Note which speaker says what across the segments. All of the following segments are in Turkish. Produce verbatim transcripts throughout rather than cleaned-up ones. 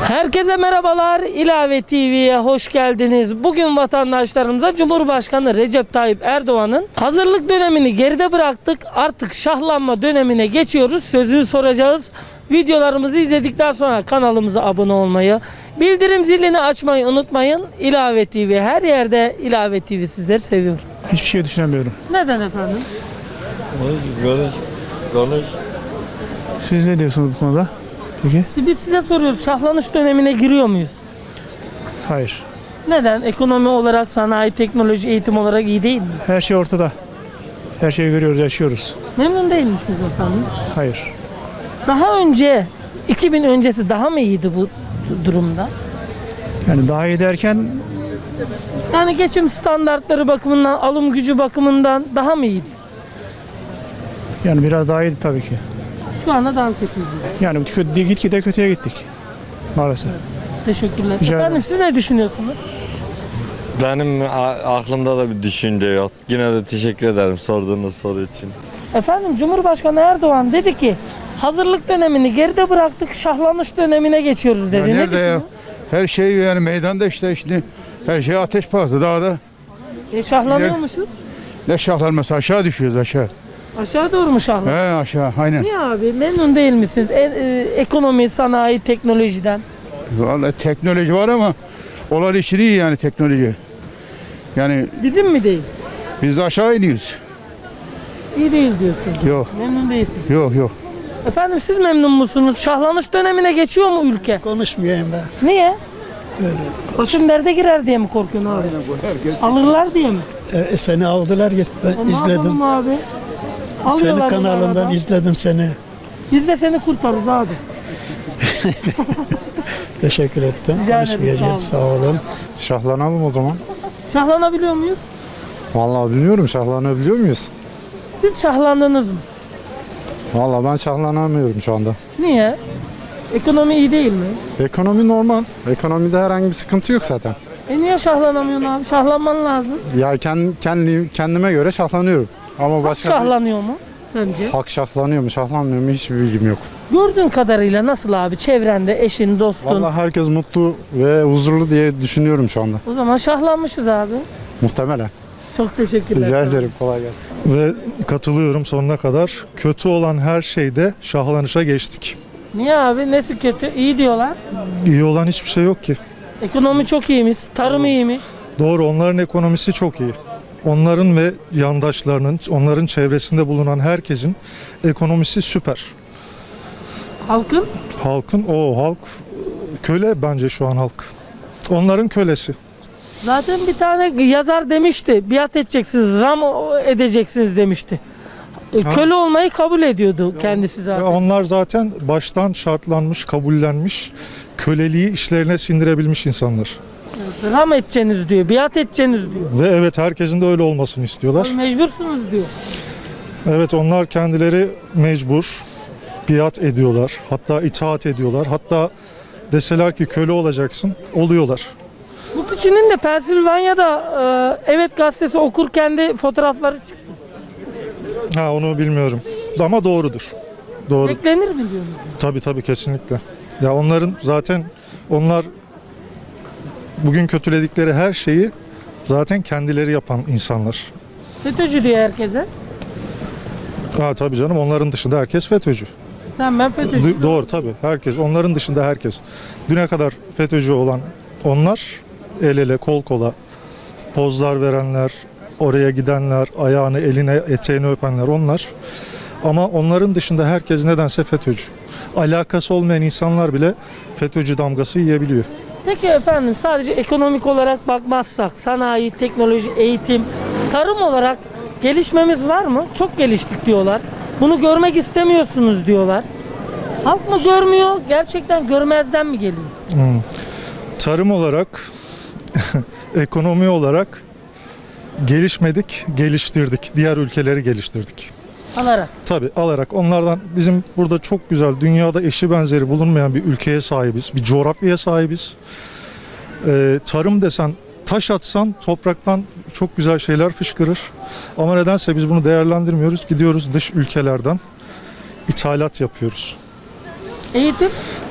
Speaker 1: Herkese merhabalar. İlave T V'ye hoş geldiniz. Bugün vatandaşlarımıza Cumhurbaşkanı Recep Tayyip Erdoğan'ın hazırlık dönemini geride bıraktık, artık şahlanma dönemine geçiyoruz sözünü soracağız. Videolarımızı izledikten sonra kanalımıza abone olmayı, bildirim zilini açmayı unutmayın. İlave T V her yerde. İlave T V sizleri seviyor.
Speaker 2: Hiçbir şey düşünemiyorum.
Speaker 1: Neden efendim?
Speaker 3: Konuş, konuş.
Speaker 2: Siz ne diyorsunuz bu konuda? Peki?
Speaker 1: Biz size soruyoruz, şahlanış dönemine giriyor muyuz?
Speaker 2: Hayır.
Speaker 1: Neden? Ekonomi olarak, sanayi, teknoloji, eğitim olarak iyi değil mi?
Speaker 2: Her şey ortada. Her şeyi görüyoruz, yaşıyoruz.
Speaker 1: Memnun değil misiniz efendim?
Speaker 2: Hayır.
Speaker 1: Daha önce, iki bin öncesi daha mı iyiydi bu durumda?
Speaker 2: Yani daha iyi derken
Speaker 1: Yani geçim standartları bakımından, alım gücü bakımından daha mı iyiydi?
Speaker 2: yani biraz daha iyiydi tabii ki.
Speaker 1: Şu anda daha kötü.
Speaker 2: Yani kötü, gitgide kötüye gittik. Maalesef.
Speaker 1: Teşekkürler.
Speaker 2: Rica
Speaker 1: Efendim
Speaker 2: ederim.
Speaker 1: siz ne düşünüyorsunuz?
Speaker 3: Benim a- aklımda da bir düşünce yok. Yine de teşekkür ederim sorduğunuz soru için.
Speaker 1: Efendim Cumhurbaşkanı Erdoğan dedi ki hazırlık dönemini geride bıraktık, şahlanış dönemine geçiyoruz dedi.
Speaker 4: Ya
Speaker 1: ne
Speaker 4: nerede ya?
Speaker 1: düşünüyorsun?
Speaker 4: Her şey yani meydanda işte işte her şey ateş pahası dağda.
Speaker 1: E, şahlanıyormuşuz.
Speaker 4: Ne şahlanması aşağı düşüyoruz aşağı.
Speaker 1: Aşağı doğru mu şahlan?
Speaker 4: He aşağı aynen.
Speaker 1: Niye abi? Memnun değil misiniz? E, e, ekonomi, sanayi, teknolojiden.
Speaker 4: Vallahi teknoloji var ama olan işi iyi yani teknoloji. Yani
Speaker 1: Bizim mi değil?
Speaker 4: biz de aşağı iniyoruz.
Speaker 1: İyi değil diyorsunuz.
Speaker 4: Yok
Speaker 1: Memnun değilsiniz.
Speaker 4: yok yok.
Speaker 1: Efendim siz memnun musunuz? Şahlanış dönemine geçiyor mu ülke?
Speaker 5: Konuşmayayım ben.
Speaker 1: Niye?
Speaker 5: Öyle.
Speaker 1: Başın derde girer diye mi korkuyorsun abi? Alırlar diye mi?
Speaker 5: E, seni aldılar git ben
Speaker 1: E, ne
Speaker 5: izledim.
Speaker 1: yapalım abi?
Speaker 5: Senin
Speaker 1: Alıyorlar
Speaker 5: kanalından
Speaker 1: bunlardan.
Speaker 5: izledim seni.
Speaker 1: Biz de seni kurtarırız abi.
Speaker 5: Teşekkür ettim.
Speaker 1: Rica ederim,
Speaker 5: Konuşmayacağım.
Speaker 1: sağ
Speaker 5: Sağ olun.
Speaker 6: Şahlanalım o zaman.
Speaker 1: Şahlanabiliyor muyuz?
Speaker 6: Vallahi bilmiyorum, şahlanabiliyor muyuz?
Speaker 1: Siz şahlandınız mı?
Speaker 6: Vallahi ben şahlanamıyorum şu anda.
Speaker 1: Niye? Ekonomi iyi değil mi?
Speaker 6: Ekonomi normal. Ekonomide herhangi bir sıkıntı yok zaten.
Speaker 1: E niye şahlanamıyorsun abi? Şahlanman lazım.
Speaker 6: Ya kendi, kendi kendime göre şahlanıyorum. Ama başka bir-
Speaker 1: Şahlanıyor mu sence?
Speaker 6: halk şahlanıyor mu, şahlanmıyor mu hiçbir bilgim yok.
Speaker 1: Gördüğün kadarıyla nasıl abi? Çevrende, eşin, dostun.
Speaker 6: Vallahi herkes mutlu ve huzurlu diye düşünüyorum şu anda.
Speaker 1: O zaman şahlanmışız abi.
Speaker 6: Muhtemelen.
Speaker 1: Çok teşekkürler.
Speaker 6: Rica ederim. Kolay gelsin.
Speaker 7: Ve katılıyorum sonuna kadar. Kötü olan her şeyde şahlanışa geçtik.
Speaker 1: Niye abi? Nesi kötü? İyi diyorlar.
Speaker 7: İyi olan hiçbir şey yok ki.
Speaker 1: Ekonomi çok iyiymiş, tarım iyiymiş.
Speaker 7: Doğru, onların ekonomisi çok iyi. Onların ve yandaşlarının, onların çevresinde bulunan herkesin ekonomisi süper.
Speaker 1: Halkın
Speaker 7: Halkın, o halk köle bence şu an halk. Onların kölesi.
Speaker 1: zaten bir tane yazar demişti. Biat edeceksiniz, ram edeceksiniz demişti. E,
Speaker 7: Ha.
Speaker 1: Köle olmayı kabul ediyordu kendisi
Speaker 7: Ve
Speaker 1: zaten.
Speaker 7: onlar zaten baştan şartlanmış, kabullenmiş, köleliği işlerine sindirebilmiş insanlar.
Speaker 1: Ram edeceksiniz diyor, biat edeceksiniz diyor.
Speaker 7: Ve evet, herkesin de öyle olmasını istiyorlar.
Speaker 1: Mecbursunuz diyor.
Speaker 7: Evet, onlar kendileri mecbur biat ediyorlar. Hatta itaat ediyorlar. Hatta deseler ki köle olacaksın, oluyorlar.
Speaker 1: Bu kişinin de Pensilvanya'da e, Evet gazetesi okurken de fotoğrafları çıktı.
Speaker 7: Ha, onu bilmiyorum. Ama doğrudur. Doğru.
Speaker 1: Beklenir mi diyorsunuz?
Speaker 7: Tabii tabii, kesinlikle. Ya onların zaten onlar bugün kötüledikleri her şeyi zaten kendileri yapan insanlar.
Speaker 1: FETÖ'cü diyor herkese.
Speaker 7: Ha tabii canım, onların dışında herkes FETÖ'cü.
Speaker 1: Sen ben FETÖ'cü.
Speaker 7: Du- doğru tabii, herkes. Onların dışında herkes. Düne kadar FETÖ'cü olan onlar, el ele kol kola pozlar verenler, oraya gidenler, ayağını eline eteğini öpenler onlar. Ama onların dışında herkes nedense FETÖ'cü. Alakası olmayan insanlar bile FETÖ'cü damgası yiyebiliyor.
Speaker 1: Peki efendim, sadece ekonomik olarak bakmazsak sanayi, teknoloji, eğitim, tarım olarak gelişmemiz var mı? Çok geliştik diyorlar. Bunu görmek istemiyorsunuz diyorlar. Halk mı görmüyor? Gerçekten görmezden mi geliyor?
Speaker 7: Hmm. Tarım olarak, ekonomi olarak gelişmedik, geliştirdik. Diğer ülkeleri geliştirdik.
Speaker 1: Alarak.
Speaker 7: Tabii, alarak onlardan bizim burada çok güzel, dünyada eşi benzeri bulunmayan bir ülkeye sahibiz. Bir coğrafyaya sahibiz. Ee, tarım desen, taş atsan topraktan çok güzel şeyler fışkırır. Ama nedense biz bunu değerlendirmiyoruz. Gidiyoruz dış ülkelerden ithalat yapıyoruz.
Speaker 1: Eğitim?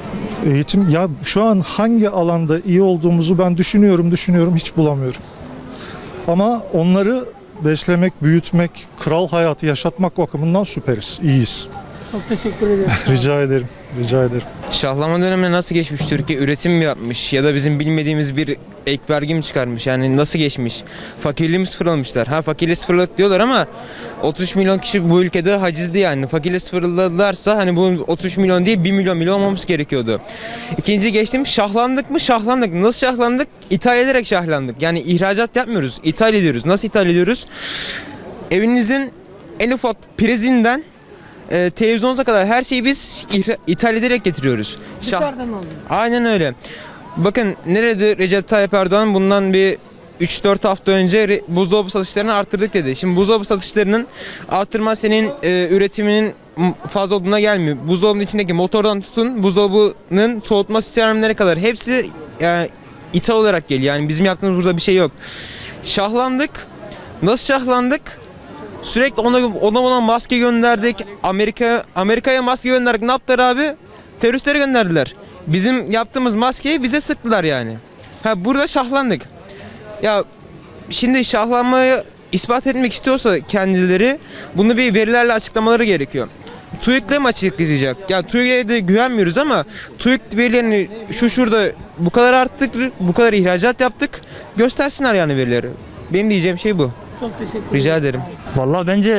Speaker 7: Eğitim ya şu an hangi alanda iyi olduğumuzu ben düşünüyorum düşünüyorum hiç bulamıyorum. Ama onları beslemek, büyütmek, kral hayatı yaşatmak bakımından süperiz, iyiyiz.
Speaker 1: Çok teşekkür ederim.
Speaker 7: Rica ederim, rica ederim.
Speaker 8: Şahlama dönemine nasıl geçmiş Türkiye? Üretim mi yapmış ya da bizim bilmediğimiz bir ek vergi mi çıkarmış? Yani nasıl geçmiş? Fakirliği mi sıfırlamışlar? Ha fakirliği sıfırladık diyorlar ama otuz üç milyon kişi bu ülkede hacizli yani. Fakirliği sıfırladılarsa hani bu otuz üç milyon değil bir milyon bile olmamız gerekiyordu. İkinci geçtim. Şahlandık mı? Şahlandık. Nasıl şahlandık? İthal ederek şahlandık. Yani ihracat yapmıyoruz. İthal ediyoruz. Nasıl ithal ediyoruz? Evinizin en ufak prizinden e, televizyonunuza kadar her şeyi biz ihra- ithal ederek getiriyoruz. Şah-
Speaker 1: Dışarıdan alıyor.
Speaker 8: Aynen öyle. Bakın nerede Recep Tayyip Erdoğan bundan bir üç dört hafta önce re- buzdolabı satışlarını arttırdık dedi. Şimdi buzdolabı satışlarının arttırma senin e, üretiminin m- fazla olduğuna gelmiyor. Buzdolabının içindeki motordan tutun buzdolabının soğutma sistemlerine kadar hepsi yani, ithal olarak geliyor. Yani bizim yaptığımız burada bir şey yok. Şahlandık. Nasıl şahlandık? Sürekli ona ona ona maske gönderdik. Amerika Amerika'ya maske gönderdik. Ne yaptılar abi? Teröristlere gönderdiler. Bizim yaptığımız maskeyi bize sıktılar yani. Ha burada şahlandık. Ya şimdi şahlanmayı ispat etmek istiyorsa kendileri bunu bir verilerle açıklamaları gerekiyor. TÜİK'le mi açıklayacak? Yani TÜİK'e de güvenmiyoruz ama TÜİK verilerini şu şurada bu kadar arttık, bu kadar ihracat yaptık. Göstersinler yani verileri. Benim diyeceğim şey bu.
Speaker 1: Çok teşekkür ederim.
Speaker 8: Rica ederim.
Speaker 9: Vallahi bence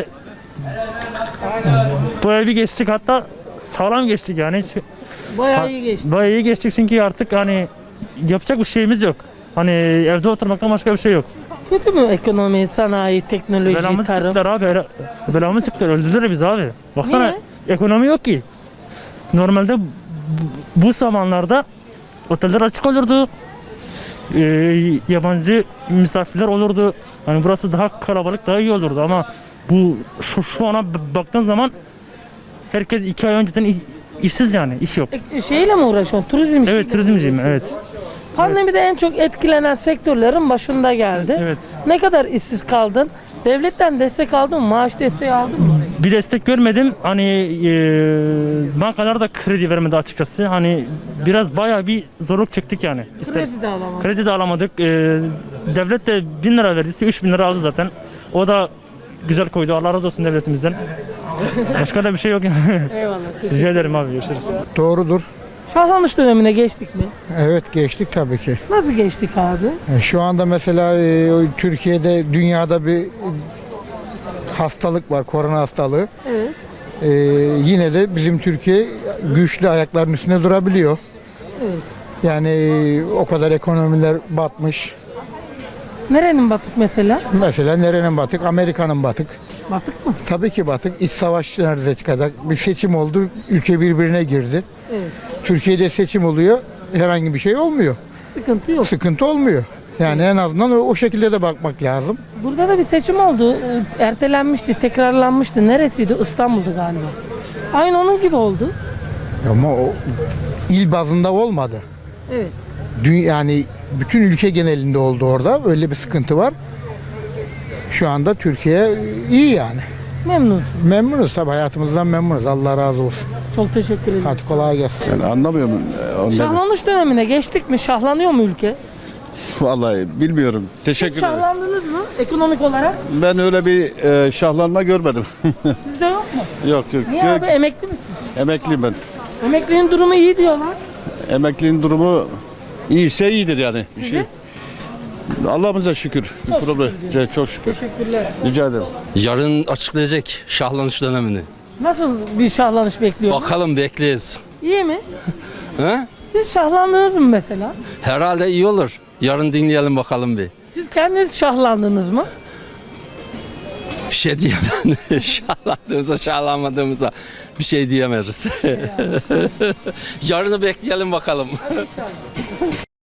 Speaker 9: bayağı bir geçtik, hatta sağlam geçtik yani. Hiç-
Speaker 1: Bayağı iyi geçti.
Speaker 9: Bayağı iyi geçtik çünkü artık hani yapacak bir şeyimiz yok. Hani evde oturmaktan başka bir şey yok.
Speaker 1: Kötü mü ekonomi, sanayi, teknoloji,
Speaker 9: Belamı
Speaker 1: tarım?
Speaker 9: sıktılar abi. ele- Belamı sıktılar. Öldürdüler bizi abi. Baksana,
Speaker 1: Niye?
Speaker 9: ekonomi yok ki. Normalde bu, bu zamanlarda oteller açık olurdu. Ee, yabancı misafirler olurdu. Hani burası daha kalabalık, daha iyi olurdu ama bu şu, şu ana b- baktığın zaman herkes iki ay önceden i- işsiz yani, iş yok.
Speaker 1: E, şeyle mi uğraşıyorsun? Turizm işiyle
Speaker 9: Evet,
Speaker 1: mi
Speaker 9: turizmciyim,
Speaker 1: uğraşıyorsun?
Speaker 9: evet.
Speaker 1: Pandemide en çok etkilenen sektörlerin başında geldi.
Speaker 9: Evet.
Speaker 1: Ne kadar işsiz kaldın? Devletten destek aldın mı? Maaş desteği aldın mı?
Speaker 9: Bir destek görmedim. Hani e, bankalar da kredi vermedi açıkçası. Hani biraz bayağı bir zorluk çektik yani. İster-
Speaker 1: Kredi de alamadın.
Speaker 9: Kredi de alamadık. E, devlet de bin lira verdiyse üç bin lira aldı zaten. O da güzel koydu. Allah razı olsun devletimizden. Başka da bir şey yok.
Speaker 1: Eyvallah.
Speaker 9: Rica ederim abi. Görüşürüz.
Speaker 2: Doğrudur.
Speaker 1: Şahlanış dönemine geçtik mi?
Speaker 2: Evet geçtik tabii ki.
Speaker 1: Nasıl geçtik abi?
Speaker 2: E, Şu anda mesela e, o Türkiye'de dünyada bir e, hastalık var, korona hastalığı.
Speaker 1: Evet.
Speaker 2: E, yine de bizim Türkiye güçlü ayakların üstünde durabiliyor.
Speaker 1: Evet.
Speaker 2: Yani e, o kadar ekonomiler batmış.
Speaker 1: Nerenin batık mesela?
Speaker 2: Mesela nerenin batık? Amerika'nın batık.
Speaker 1: Batık mı?
Speaker 2: Tabii ki batık. İç savaş nerede çıkacak? Bir seçim oldu, ülke birbirine girdi.
Speaker 1: Evet.
Speaker 2: Türkiye'de seçim oluyor, herhangi bir şey olmuyor.
Speaker 1: Sıkıntı yok.
Speaker 2: Sıkıntı olmuyor. Yani en azından o, o şekilde de bakmak lazım.
Speaker 1: Burada da bir seçim oldu. Ee, Ertelenmişti, tekrarlanmıştı. Neresiydi? İstanbul'du galiba. Aynı onun gibi oldu.
Speaker 2: Ama o il bazında olmadı.
Speaker 1: Evet.
Speaker 2: Dü- yani bütün ülke genelinde oldu orada. Öyle bir sıkıntı var. Şu anda Türkiye iyi yani.
Speaker 1: Memnun.
Speaker 2: Memnunuz tabii, hayatımızdan memnunuz. Allah razı olsun.
Speaker 1: Çok teşekkür ederim.
Speaker 2: Hadi kolay gelsin.
Speaker 10: Yani anlamıyorum. e, onları.
Speaker 1: Şahlanış dönemine geçtik mi? Şahlanıyor mu ülke?
Speaker 10: Vallahi bilmiyorum.
Speaker 1: Siz
Speaker 10: Teşekkür ederim.
Speaker 1: şahlandınız mı ekonomik olarak?
Speaker 10: Ben öyle bir e, şahlanma görmedim.
Speaker 1: Sizde yok mu?
Speaker 10: yok yok.
Speaker 1: Niye
Speaker 10: Gö-
Speaker 1: abi, emekli misin?
Speaker 10: Emekliyim ben.
Speaker 1: Emeklinin durumu iyi diyorlar.
Speaker 10: Emeklinin durumu iyiyse iyidir yani. Bir
Speaker 1: Sizin?
Speaker 10: şey. Allah'ımıza şükür. Bir
Speaker 1: Çok
Speaker 10: problem.
Speaker 1: şükür
Speaker 10: Evet, Çok şükür.
Speaker 1: Teşekkürler.
Speaker 10: Rica ederim.
Speaker 11: Yarın açıklayacak şahlanış dönemini.
Speaker 1: Nasıl bir şahlanış bekliyorsunuz?
Speaker 11: Bakalım, bekleyiz.
Speaker 1: İyi mi?
Speaker 11: He?
Speaker 1: Siz şahlandınız mı mesela?
Speaker 11: Herhalde iyi olur. Yarın dinleyelim bakalım bir.
Speaker 1: Siz kendiniz şahlandınız mı?
Speaker 11: Bir şey diyemem. Şahlandığımıza, şahlanmadığımıza bir şey diyemeyiz. Yarını bekleyelim bakalım.